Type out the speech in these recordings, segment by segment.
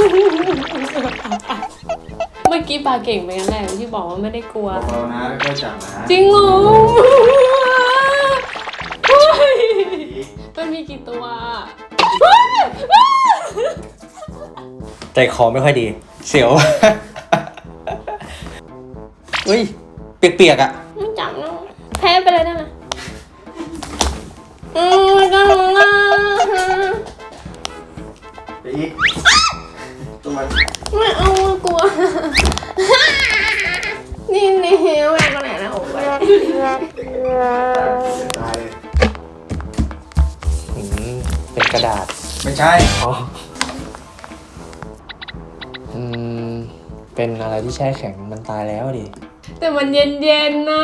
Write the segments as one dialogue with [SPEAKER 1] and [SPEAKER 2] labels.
[SPEAKER 1] เมื่อกี้ปลาเก่งไปกันแหละที่บอกว่าไม่ได้กลัว
[SPEAKER 2] เบาๆนะค่อยๆจับนะ
[SPEAKER 1] จริงเหรอมันมีกี่ตัว
[SPEAKER 3] ใจคอไม่ค่อยดีเสียวเฮ้ยเปียกๆอ่ะ
[SPEAKER 1] ไม่จับนะแพ้ไปเลยได้ไหมไม่ก็รู้นะ
[SPEAKER 2] ไปอีกตัวมัน
[SPEAKER 1] ไม่เอากลัวนี่แหวกกันไหนนะโอ้ย
[SPEAKER 2] ตายเลย
[SPEAKER 3] เป็นกระดาษ
[SPEAKER 2] ไม่ใช่
[SPEAKER 3] อ๋อเป็นอะไรที่แช่แข็งมันตายแล้วดิ
[SPEAKER 1] แต่มันเย็นๆนะ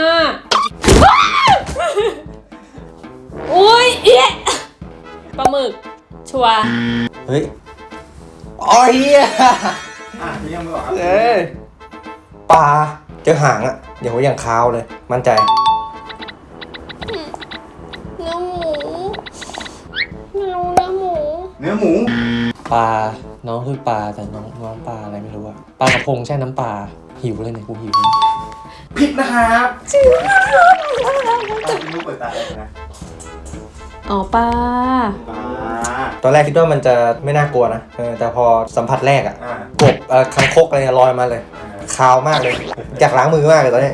[SPEAKER 1] อุ้ยเอ๊ะปลาหมึกชัวร์
[SPEAKER 3] เฮ้ยอ๋อเฮีย
[SPEAKER 2] พี่ยังไม่บอกครับ
[SPEAKER 3] ปลาเจอหางอ่ะเดี๋ยวอย่างคาวเลยมั่นใจ
[SPEAKER 1] เนื้อหมูไม่รู้เนื้อหมู
[SPEAKER 2] เนื้อหมู
[SPEAKER 3] ปลาน้องคือปลาแต่น้องปลาอะไรไม่รู้อะปลากระพงแช่น้ำปลาหิวเลยเนี่ยกูหิว
[SPEAKER 2] ผิดนะครับ
[SPEAKER 1] จริง
[SPEAKER 2] พี่นุ๊กเปิดตาเลยนะ
[SPEAKER 1] อ๋อปลา
[SPEAKER 2] ปลา
[SPEAKER 3] ตอนแรกคิดว่ามันจะไม่น่ากลัวนะแต่พอสัมผัสแรกอะ
[SPEAKER 2] อ่าก
[SPEAKER 3] บคังคกอะไรลอยมาเลยคาวมากเลยอยากล้างมือมากเลยตอนนี้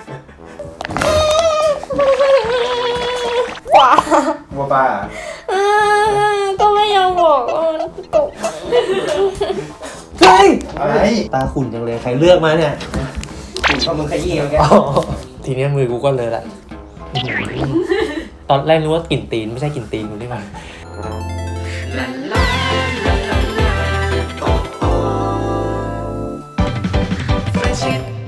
[SPEAKER 1] ปลา
[SPEAKER 2] วัวปลา
[SPEAKER 1] ก็ไม่ยอมบอกว่ามันกบ
[SPEAKER 3] เฮ้ย
[SPEAKER 2] อะไร
[SPEAKER 3] ตาขุ่นจังเลยใครเลือกมาเนี่ยขุ่นเพราะมึงขยี้เอาแกทีนี้มือกูก็เลยละตอนแรกนึกว่ากลิ่นตีนไม่ใช่กลิ่นตีนกูนี่หว่า
[SPEAKER 4] Friendship